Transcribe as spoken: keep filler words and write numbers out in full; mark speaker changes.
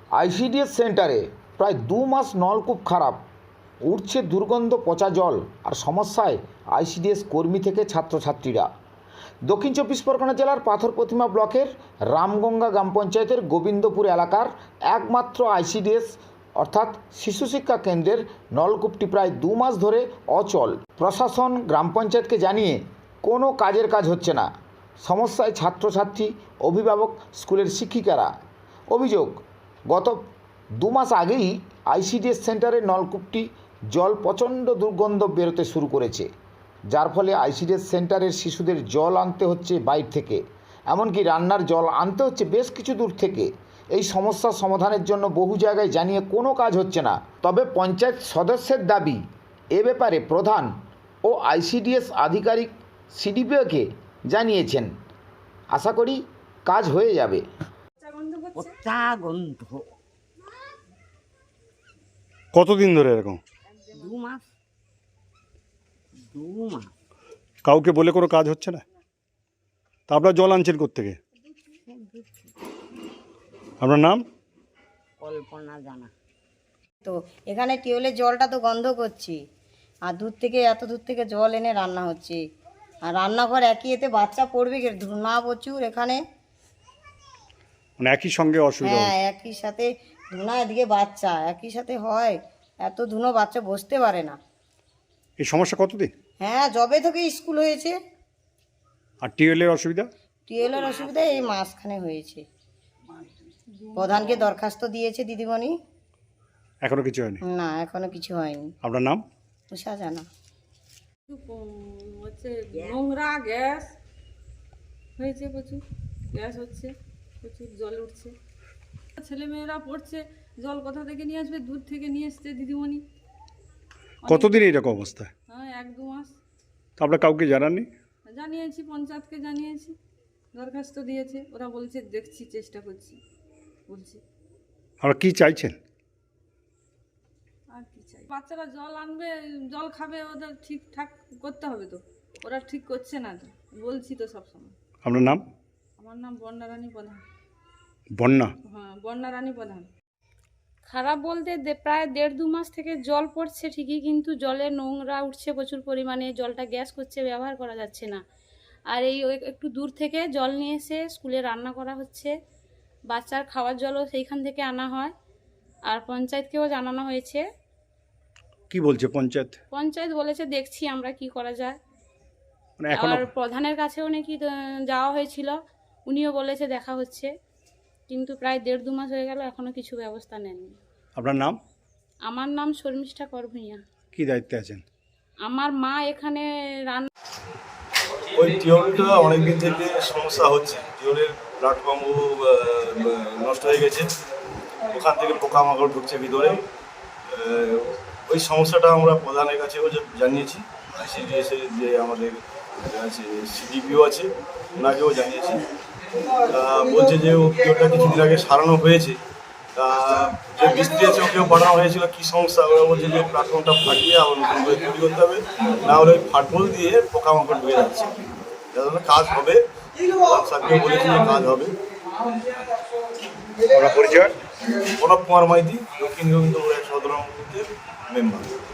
Speaker 1: ICDS সেন্টারে প্রায় দু মাস নলকূপ খারাপ, উঠছে দুর্গন্ধ পচা জল আর সমস্যায় আইসিডিএস কর্মী থেকে ছাত্রছাত্রীরা। দক্ষিণ চব্বিশ পরগনা জেলার পাথর প্রতিমা ব্লকের রামগঙ্গা গ্রাম পঞ্চায়েতের গোবিন্দপুর এলাকার একমাত্র আইসিডিএস অর্থাৎ শিশু শিক্ষা কেন্দ্রের নলকূপটি প্রায় দু মাস ধরে অচল। প্রশাসন গ্রাম পঞ্চায়েতকে জানিয়ে কোনো কাজের কাজ হচ্ছে না। সমস্যায় ছাত্রছাত্রী, অভিভাবক, স্কুলের শিক্ষিকারা। অভিযোগ, গত দু মাস আগেই আইসিডিএস সেন্টারের নলকূপটি জল প্রচণ্ড দুর্গন্ধ বেরোতে শুরু করেছে, যার ফলে আইসিডিএস সেন্টারের শিশুদের জল আনতে হচ্ছে বাইরে থেকে, এমনকি রান্নার জল আনতে হচ্ছে বেশ কিছু দূর থেকে। এই সমস্যার সমাধানের জন্য বহু জায়গায় জানিয়ে কোনো কাজ হচ্ছে না। তবে পঞ্চায়েত সদস্যের দাবি, এ ব্যাপারে প্রধান ও আইসিডিএস আধিকারিক সিডিপিওকে জানিয়েছেন। আশা করি কাজ হয়ে যাবে।
Speaker 2: কতদিন ধরে এরকম?
Speaker 3: দু মাস দু মাস
Speaker 2: কাউকে বলে কোনো কাজ হচ্ছে না? তা আপনার জল আনছেন কোত্থেকে? আপনার নাম?
Speaker 3: কল্পনা জানা। তো এখানে টিউবওয়েলের জলটা তো গন্ধ করছি, আর দূর থেকে এত দূর থেকে জল এনে রান্না হচ্ছে, আর রান্নাঘর একই, এতে বাচ্চা পড়বে কি, ধুনা প্রচুর এখানে।
Speaker 2: মানে একই সঙ্গে অসুবিধা?
Speaker 3: হ্যাঁ, একই সাথে ধুনা, এদিকে বাচ্চা, একই সাথে হয়, এত ধুনো, বাচ্চা বসতে পারে না।
Speaker 2: এই সমস্যা কতদিন?
Speaker 3: হ্যাঁ, যবে থেকে স্কুল হয়েছে।
Speaker 2: আর টিউবওয়েলের অসুবিধা?
Speaker 3: টিউবওয়েলের অসুবিধা এই মাসখানে হয়েছে। প্রধানকে দরখাস্ত দিয়েছে দিদিমণি,
Speaker 2: এখনো কিছু হয়নি?
Speaker 3: না, এখনো কিছু হয়নি।
Speaker 2: আপনার নাম?
Speaker 3: উষা জানা।
Speaker 4: হচ্ছে নোংরা গ্যাস হয়েছে, প্রচুর গ্যাস হচ্ছে, প্রচুর জল উঠছে। ছেলেমেয়েরা পড়ছে, জল কোথা থেকে নিয়ে আসবে? দূর থেকে নিয়ে এসছে দিদিমণি।
Speaker 2: কতদিন এইরকম অবস্থা?
Speaker 4: হ্যাঁ, এক দু মাস।
Speaker 2: তা আপনার কাউকে জানাননি?
Speaker 4: জানিয়েছি, পঞ্চায়েতকে জানিয়েছি, দরখাস্ত দিয়েছে, ওরা বলছে দেখছি, চেষ্টা করছি বলছি।
Speaker 2: আপনারা কী চাইছেন?
Speaker 4: আর কি চাই? বাচ্চারা জল আনবে, জল খাবে, ওদের ঠিকঠাক করতে হবে তো, ওরা ঠিক করছে না তো, বলছি তো সবসময়।
Speaker 2: আপনার নাম?
Speaker 4: আমার নাম বন্যা রানী প্রধান।
Speaker 2: বন্যা?
Speaker 4: হ্যাঁ, বন্যা রানী প্রধান।
Speaker 5: খারাপ বলতে দে- প্রায় দেড় দু মাস থেকে জল পড়ছে ঠিকই, কিন্তু জলে নোংরা উঠছে প্রচুর পরিমাণে, জলটা গ্যাস করছে, ব্যবহার করা যাচ্ছে না। আর এই ওই একটু দূর থেকে জল নিয়ে এসে স্কুলে রান্না করা হচ্ছে, বাচ্চার খাওয়ার জলও সেইখান থেকে আনা হয়। আর পঞ্চায়েতকেও জানানো হয়েছে,
Speaker 2: কি বলছে পঞ্চায়েত?
Speaker 5: পঞ্চায়েত বলেছে দেখছি আমরা কি করা যায়।
Speaker 2: মানে এখনো?
Speaker 5: আর প্রধানের কাছেও নাকি আহ, যাওয়া হয়েছিল, উনিও বলেছে দেখা হচ্ছে, কিন্তু প্রায় দেড় দু মাস হয়ে গেল, এখনো কিছু ব্যবস্থা নেননি।
Speaker 2: আপনার নাম?
Speaker 5: আমার নাম শর্মিষ্ঠা করভূঁইয়া।
Speaker 2: কি দায়িত্বে আছেন?
Speaker 5: আমার মা এখানে রান্না।
Speaker 6: ওই টিউবওয়েলটা অনেকদিন থেকে সমস্যা হচ্ছে, টিউবওয়েলের প্ল্যাটফর্ম নষ্ট হয়ে গেছে, ওখান থেকে পোকামাকড় ঢুকছে ভিতরে। ওই সমস্যাটা আমরা প্রধানের কাছেও জানিয়েছি, আইসিডিএসের যে আমাদের আছে সিডিপিও আছে, ওনাকেও জানিয়েছি। বলছে যে ও টিউবওয়েলটা কিছুদিন আগে সারানো হয়েছে, তা যে মিস্ত্রি আছে ওকেও পাঠানো হয়েছিল, কী সমস্যা, ওরা বলছে যে প্ল্যাটফর্মটা ফাটিয়ে আবার নতুন করে তৈরি করতে হবে, না হলে ওই ফাটবল দিয়ে পোকামাকড় ঢুকে যাচ্ছে। যাতে কাজ হবে, সাথেও বলেছি যে কাজ হবে।
Speaker 2: আপনার পরিচয়?
Speaker 6: প্রণব কুমার মাইতি, দক্ষিণ গোবিন্দপুর এক সাধারণ মেম্বার।